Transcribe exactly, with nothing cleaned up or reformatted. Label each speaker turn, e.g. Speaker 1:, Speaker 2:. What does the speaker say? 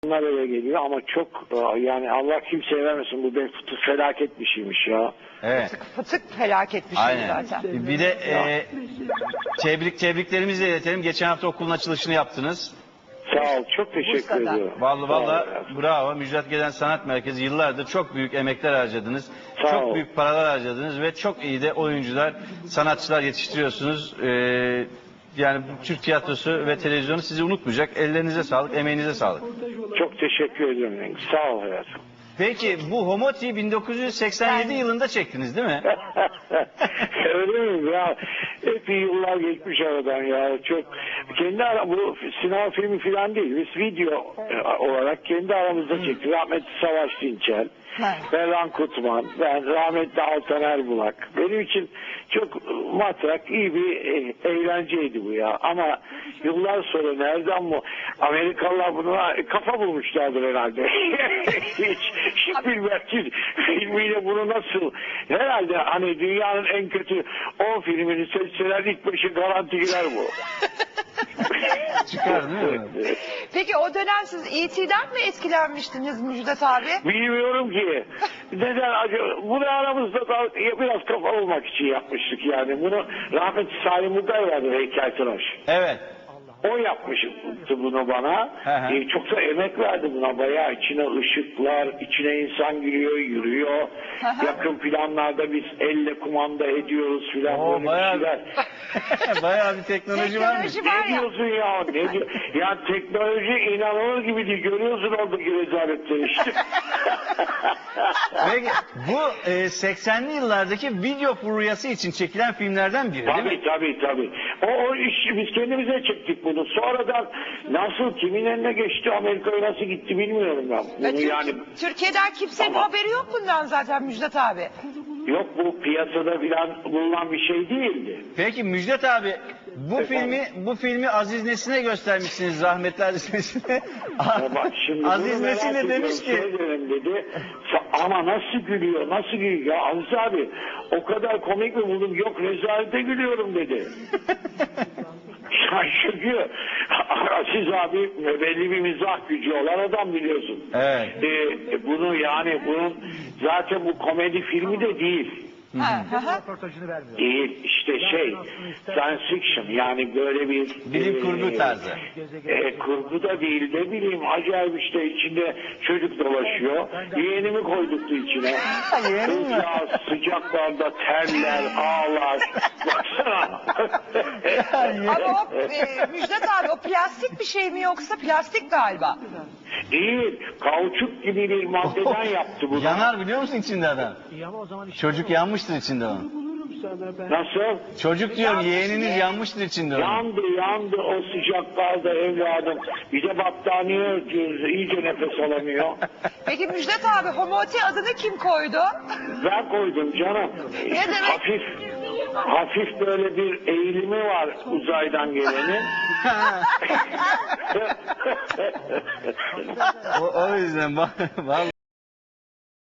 Speaker 1: Bunlar eve geliyor ama çok yani Allah kimseye vermesin, bu bir felaket bir şeymiş ya.
Speaker 2: Evet.
Speaker 3: Fıtık, fıtık felaket bir şey
Speaker 2: Aynen.
Speaker 3: zaten.
Speaker 2: Bir de e, tebrik tebriklerimizi de iletelim. Geçen hafta okulun açılışını yaptınız.
Speaker 1: Sağ ol, çok teşekkür
Speaker 3: Bursa'da.
Speaker 1: ediyorum.
Speaker 2: Vallahi
Speaker 1: Sağ ol
Speaker 2: vallahi
Speaker 1: ya.
Speaker 2: bravo. Müjdat Gezen Sanat Merkezi yıllardır çok büyük emekler harcadınız.
Speaker 1: Sağ
Speaker 2: çok
Speaker 1: ol.
Speaker 2: büyük paralar harcadınız ve çok iyi de oyuncular, sanatçılar yetiştiriyorsunuz. Ee, yani Türk tiyatrosu ve televizyonu sizi unutmayacak. Ellerinize sağlık, emeğinize sağlık.
Speaker 1: Çok teşekkür ediyorum. Sağ ol hayatım.
Speaker 2: Peki bu Homoti bin dokuz yüz seksen yedi yılında çektiniz değil mi?
Speaker 1: Öyle mi ya? Epey yıllar geçmiş aradan ya. Çok kendi ara, bu sinema filmi falan değil. Biz video olarak kendi aramızda çektik. Rahmetli Savaş Dinçel, Berhan Kutman, ben rahmetli Altan Erbulak. Benim için çok matrak, iyi bir eğlenceydi bu ya. Ama yıllar sonra nereden bu Amerikalılar buna kafa bulmuşlardır herhalde. Hiç, hiç bilmem ki filmiyle bunu nasıl, herhalde hani dünyanın en kötü on filmini seçseler ilk beşi garanti girer bu.
Speaker 2: Çıkar değil mi?
Speaker 3: Peki o dönem siz E T'den mi etkilenmiştiniz Müjdat abi?
Speaker 1: Bilmiyorum ki. Neden acaba? Bunu aramızda da biraz kafa olmak için yapmıştık yani. Bunu rahmetli Salim Uday vardı, heykeltıraş.
Speaker 2: Evet.
Speaker 1: O yapmıştı bunu bana. Ee, çok da emek verdi buna bayağı. İçine ışıklar, içine insan giriyor, yürüyor. Yakın planlarda biz elle kumanda ediyoruz filan,
Speaker 2: Oo,
Speaker 1: böyle
Speaker 2: bayağı,
Speaker 1: bir şeyler.
Speaker 2: bayağı bir teknoloji varmış.
Speaker 3: Teknoloji var
Speaker 1: Ne
Speaker 3: ya.
Speaker 1: diyorsun ya? Ne diyor? Ya teknoloji inanılır gibi değil. Görüyorsun oradaki rezaletleri işte.
Speaker 2: Peki bu e, seksenli yıllardaki video furyası için çekilen filmlerden biri değil mi?
Speaker 1: Tabii tabii tabii. O, o işi biz kendimize çektik bunu. Sonradan nasıl, kimin eline geçti, Amerika'ya nasıl gitti bilmiyorum ben. Bunu
Speaker 3: Türk-
Speaker 1: yani
Speaker 3: Türkiye'den kimsenin
Speaker 1: Tamam.
Speaker 3: haberi yok bundan zaten Müjdat abi.
Speaker 1: yok, bu piyasada filan bulunan bir şey değildi.
Speaker 2: Peki Müjdat abi bu
Speaker 1: Efendim?
Speaker 2: filmi bu filmi Aziz Nesin'e göstermişsiniz, rahmetli Aziz Nesin'e.
Speaker 1: Ya bak şimdi
Speaker 2: Aziz
Speaker 1: bunu
Speaker 2: Nesin
Speaker 1: merak
Speaker 2: de demiş
Speaker 1: ediyorum,
Speaker 2: ki
Speaker 1: söylerim dedi. Sa- Ama nasıl gülüyor, nasıl gülüyor? Ya Aziz abi o kadar komik mi buldum? Yok, rezalete gülüyorum dedi. Ya çünkü Aziz abi belli bir mizah gücü olan adam, biliyorsun.
Speaker 2: Evet.
Speaker 1: Ee, bunu yani bunun zaten bu komedi filmi de değil.
Speaker 3: Ha, ha, ha.
Speaker 1: Değil işte şey, science fiction, yani böyle bir
Speaker 2: bilim kurgu
Speaker 1: e,
Speaker 2: tarzı.
Speaker 1: E, kurgu da değil, ne bileyim, acayip işte, içinde çocuk dolaşıyor. Yeğenimi koyduktu içine.
Speaker 2: Yeğenin mi?
Speaker 1: Ya sıcaklarda terler, ağlar. Baksana.
Speaker 3: Ama o e, Müjdat abi o plastik bir şey mi yoksa plastik galiba?
Speaker 1: Değil, kauçuk gibi bir maddeden yaptı bunu.
Speaker 2: Yanar biliyor musun içinde adam? Çocuk yanmıştır içinde onun.
Speaker 1: Nasıl?
Speaker 2: Çocuk diyorum,
Speaker 3: Yanmış
Speaker 2: yeğeniniz
Speaker 3: diye.
Speaker 2: yanmıştır içinde onun.
Speaker 1: Yandı yandı o sıcaklarda evladım. Bir de battaniye örtüyoruz, iyice nefes alamıyor.
Speaker 3: Peki Müjdat abi Homoti adını kim koydu?
Speaker 1: Ben koydum canım.
Speaker 3: Ne demek?
Speaker 1: Hafif, hafif böyle bir eğilimi var uzaydan gelenin.
Speaker 2: o, o yüzden vallahi